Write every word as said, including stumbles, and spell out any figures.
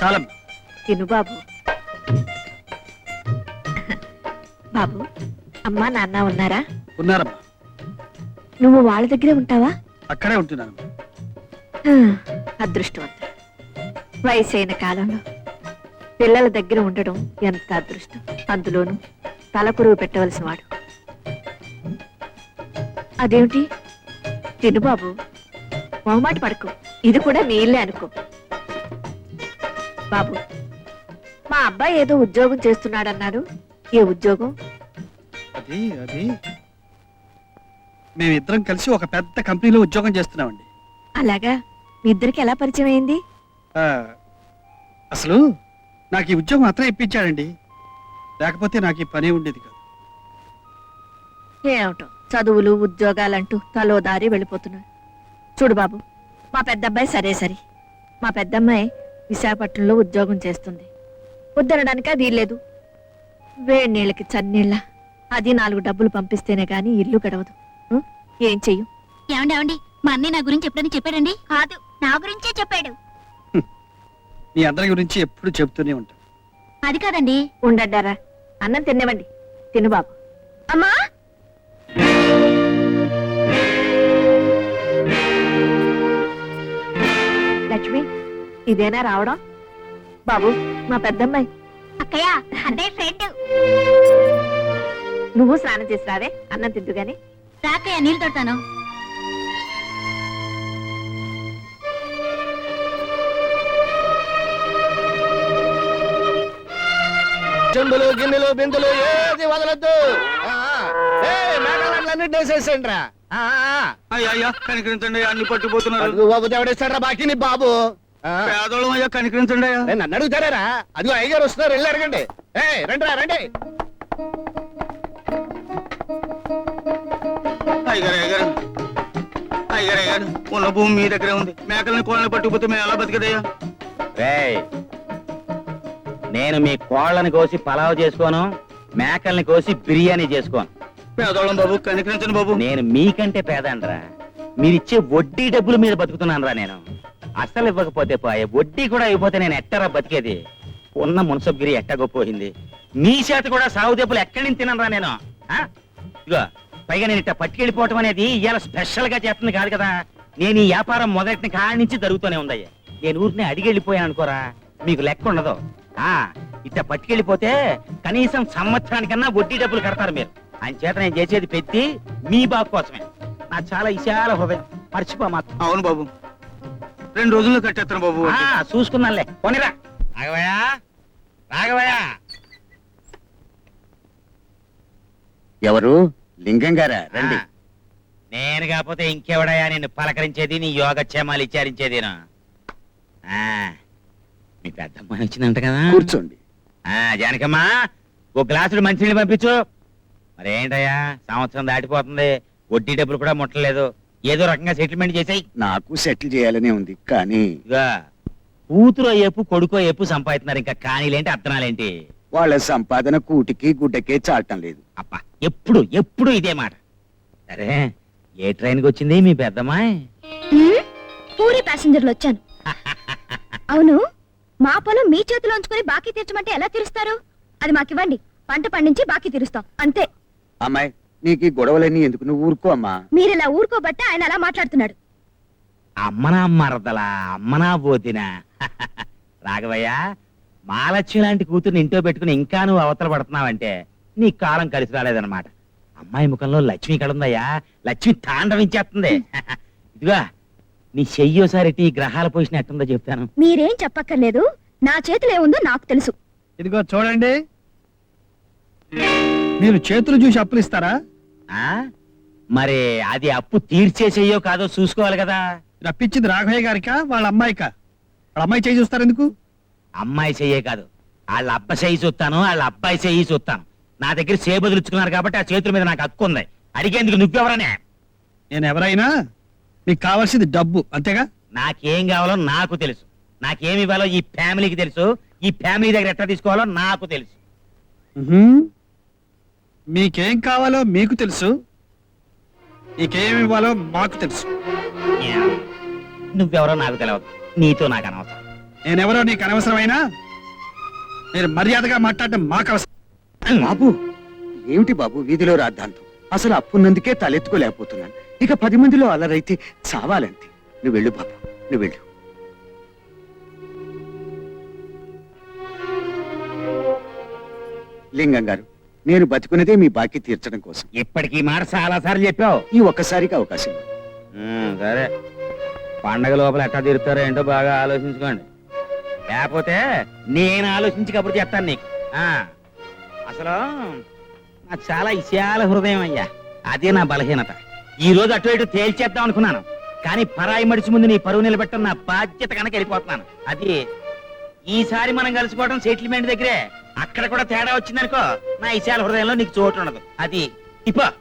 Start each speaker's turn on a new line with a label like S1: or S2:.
S1: చాలమ్మా.
S2: తిను బాబు. బాబు, అమ్మా నాన్న ఉన్నారా?
S1: ఉన్నారమ్మా.
S2: నువ్వు వాళ్ళ దగ్గరే ఉంటావా?
S1: అక్కడే ఉంటున్నాను.
S2: అదృష్టవంతుడు. వయసైన కాలంలో పిల్లల దగ్గర ఉండడం ఎంత అదృష్టం. అందులోనూ తలకురువు పెట్టవలసిన వాడు. అదేమిటి? తిను బాబు, మొహమాట పడకు. ఇది కూడా మీ ఇల్లే అనుకో. బాబు, మా అబ్బాయి ఏదో ఉద్యోగం చేస్తున్నాడన్నాడు. ఏ ఉద్యోగం?
S1: అది అది మేమిద్దరం కలిసి ఒక పెద్ద కంపెనీలో ఉద్యోగం చేస్తున్నామండి.
S2: అలాగా? మీ ఇద్దరికి ఎలా పరిచయం అయింది?
S1: ఆ, అసలు నాకు ఈ ఉద్యోగం అతనే ఇప్పించాడండి. లేకపోతే నాకు ఈ పనే ఉండేది కాదు.
S2: ఏమిటో చదువులు ఉద్యోగాలంటూ తలో దారి వెళ్ళిపోతున్నాడు. చూడు బాబు, మా పెద్దబ్బాయి సరే సరే. మా పెద్దమ్మాయి విశాఖపట్నంలో ఉద్యోగం చేస్తుంది. వద్దనడానిక వీల్లేదు. వేడి నీళ్ళకి చన్నీళ్ళ అది నాలుగు డబ్బులు పంపిస్తేనే గాని ఇల్లు గడవదు. ఉం? ఏం చెయ్యు?
S3: ఏమండి ఏమండి మా అన్నయ్య నా గురించి ఎప్పుడని చెప్పాడండి? కాదు, నా గురించే చెప్పాడు.
S1: మీ అందరి గురించి ఎప్పుడు చెబుతూనే ఉంటాను.
S3: అది కాదండి.
S2: ఉండడ్డారా, అన్నం తినేవండి. తిను బాబు.
S3: అమ్మా,
S2: లక్ష్మి, ఇదేనా రావడం? బాబు, మా పెద్దమ్మాయి.
S3: అక్కయ్య, అన్నయ్య ఫ్రెండ్.
S2: నువ్వు స్నానం చేసి రావే, అన్నం తిద్దు గాని.
S3: రాకయ్య, నీళ్ళు తోడతాను.
S4: చెంబులు గిన్నెలు బిందులు ఏది వదలద్దు. మేఘాలన్నింటినీ వేసేసండి రా.
S1: అయ్యా కనికరించండి, అన్ని పట్టుకుపోతున్నారు.
S4: బాబు ఎవడేస్తాడు రా బాకీ నీ బాబు?
S1: పేదోళం అయ్యా, కనికరించండి అయ్యా.
S4: నన్ను అడుగుతారా? అదిగో అయ్యగారు వస్తున్నారు, వెళ్ళి అడగండి. ఏ రండి రా రండి.
S1: అయ్యగారు అయ్యగారు అయ్యగారు అయ్యారు ఉన్న భూమి మీ దగ్గరే ఉంది. మేకల్ని కోళ్ళని పట్టుకుపోతే మేము ఎలా బతికదయ్యా?
S5: నేను మీ కోళ్ళని కోసి పలావ్ చేసుకోను, మేకల్ని కోసి బిర్యానీ చేసుకోను.
S1: పేదోళం బాబు, కనికరించండి బాబు.
S5: నేను మీకంటే పేదండ్రా. మీరిచ్చే వడ్డీ డబ్బుల మీద బతుకుతున్నాను రా. నేను అసలు ఇవ్వకపోతే పోయే, వడ్డీ కూడా ఇవ్వకపోతే నేను ఎట్టరా బతికేది? ఉన్న మున్సబ్గిరి ఎట్టగొపోయింది. మీ చేత కూడా సాగు దెబ్బలు ఎక్కడి నుంచి తినరా నేను? ఇగో పైగా నేను ఇట్ట పట్టుకెళ్ళిపోవటం అనేది ఇవాళ స్పెషల్ గా చేస్తుంది కాదు కదా. నేను ఈ వ్యాపారం మొదటి కాడి నుంచి జరుగుతూనే ఉందయ్యా. నేను ఊరిని అడిగి వెళ్ళిపోయాను అనుకోరా, మీకు లెక్క ఉండదు. ఆ ఇట్ట పట్టుకెళ్ళిపోతే కనీసం సంవత్సరానికన్నా వడ్డీ డబ్బులు కడతారు మీరు. ఆయన చేత నేను చేసేది పెట్టి మీ బాబు కోసమే. నా చాలా విశాల హృదయం, మర్చిపో మాత్రం.
S1: అవును బాబు, రెండు రోజుల్లో కట్టేస్తాను బాబు.
S5: చూసుకున్నానులే, పోనీరా. రాఘవయ్యా, రాఘవయ్యా.
S4: ఎవరు? లింగం గారా? రండి.
S5: నేను కాకపోతే ఇంకెవడయా నిన్ను పలకరించేది, నీ యోగక్షేమాలు విచారించేది? మీ పెద్దమ్మ వచ్చిందంట కదా,
S4: కూర్చోండి.
S5: జానకమ్మా, ఓ గ్లాసులు మంచినీళ్ళు పంపించు. మరేంటయ్యా, సంవత్సరం దాటిపోతుంది, వడ్డీ డబ్బులు కూడా ముట్టలేదు. ఏదో రకంగా సెటిల్మెంట్ చేసాయి.
S4: నాకు సెటిల్ చేయాలనే ఉంది, కానీ
S5: ఇగా కూతురు అయ్యేపు కొడుకు అయ్యేపు సంపాదిస్తున్నారు. ఇంకా కానీలేంటి అర్థనాలేంటి?
S4: వాళ్ళ సంపాదన కూటికి గుడ్డకే చాటం లేదు.
S5: అప్ప ఎప్పుడు ఎప్పుడు ఇదే మాట. సరే, ఏ ట్రైన్కి వచ్చింది మీ పెద్దమ్మాయి?
S3: పూరి ప్యాసింజర్లు వచ్చాను. అవును, మా పొలం మీ చేతిలో ఉంచుకొని బాకీ తీర్చమంటే ఎలా తీరుస్తారు? అది మాకివ్వండి, పంట పండించి బాకీ తీరుస్తాం అంతే.
S4: అమ్మాయి, నీకు ఈ గొడవలన్నీ ఎందుకు? నువ్వు ఊరుకో అమ్మా.
S3: మీరిలా ఊరుకోబట్టే ఆయన అలా మాట్లాడుతున్నాడు.
S5: అమ్మనా మరదలా, అమ్మనా పోతినా? రాఘవయ్య, మాలక్ష్మి లాంటి కూతుర్ని ఇంట్లో పెట్టుకుని ఇంకా నువ్వు అవతల పడుతున్నావంటే నీ కాలం కలిసి రాలేదన్నమాట. అమ్మాయి ముఖంలో లక్ష్మి కడుందయ్యా, లక్ష్మి తాండవించేస్తుంది. ఇదిగా నీ చెయ్యోసారి ఈ గ్రహాల పొజిషన్ ఎట్టుందో చెప్తాను.
S3: మీరేం చెప్పక్కర్లేదు, నా చేతిలో ఏముందో నాకు తెలుసు.
S1: ఇదిగో చూడండి, మీరు చేతులు చూసి అప్పులు ఇస్తారా?
S5: ఆ మరి అది అప్పు తీర్చే చెయ్యో కాదో చూసుకోవాలి కదా.
S1: రప్పించింది రాఘవయ్య గారికా వాళ్ళ అమ్మాయికా? వాళ్ళ అమ్మాయి చేయి చూస్తారు ఎందుకు?
S5: అమ్మాయి చెయ్యే కాదు, వాళ్ళ అబ్బ చెయ్యి చూస్తాను, వాళ్ళ అబ్బాయి చెయ్యి చూస్తాను. నా దగ్గర చేబదులుచుకున్నారు కాబట్టి ఆ చేతుల మీద నాకు హక్కు ఉంది. అడిగేందుకు నువ్వెవరనే?
S1: నేను ఎవరైనా మీకు కావాల్సింది డబ్బు, అంతేగా?
S5: నాకేం కావాలో నాకు తెలుసు, నాకేమి ఇవ్వాలో ఈ ఫ్యామిలీకి తెలుసు, ఈ ఫ్యామిలీ దగ్గర ఎట్లా తీసుకోవాలో నాకు తెలుసు.
S1: మీకేం కావాలో మీకు తెలుసు, నీకేమి ఇవ్వాలో మాకు తెలుసు.
S5: నువ్వెవరో నాకు తెలియదు, నీతో నాకు అనవసరం.
S1: నేనెవరో నీకు అనవసరమైనా మీరు మర్యాదగా మాట్లాడటం మాకు అవసరం.
S6: బాబు ఏమిటి బాబు వీధిలో రాద్ధాంతం? అసలు అప్పున్నందుకే తలెత్తుకోలేకపోతున్నాను. ఇక పది మందిలో అలరైతే చావాలంతే. నువ్వు వెళ్ళు బాబు, నువ్వు వెళ్ళు. లింగం గారు, నేను బతుకున్నదే మీ బాకీ తీర్చడం కోసం.
S5: ఇప్పటికీ ఈ మాట చాలా సార్లు చెప్పావు.
S6: ఈ ఒక్కసారికి అవకాశం ఇవ్వండి.
S5: ఉమ్, సరే పండగ లోపల ఎట్టా తీరుతారో ఏంటో బాగా ఆలోచించుకోండి. లేకపోతే నేను ఆలోచించి కబురు చెప్తాను నీకు. ఆ, అసలు నాకు చాలా విశాల హృదయం అయ్యా. అదే నా బలహీనత. ఈ రోజు అటు ఇటు తేల్చేద్దాం అనుకున్నాను, కానీ పరాయి మడిచి ముందు నీ పరువు నిలబెట్టడం నా బాధ్యత కనుక వెళ్ళిపోతున్నాను. అది ఈసారి మనం కలుసుకోవడం సెటిల్మెంట్ దగ్గరే. అక్కడ కూడా తేడా వచ్చిందనుకో, నా విశాల హృదయంలో నీకు చోటు ఉండదు. అది ఇప్ప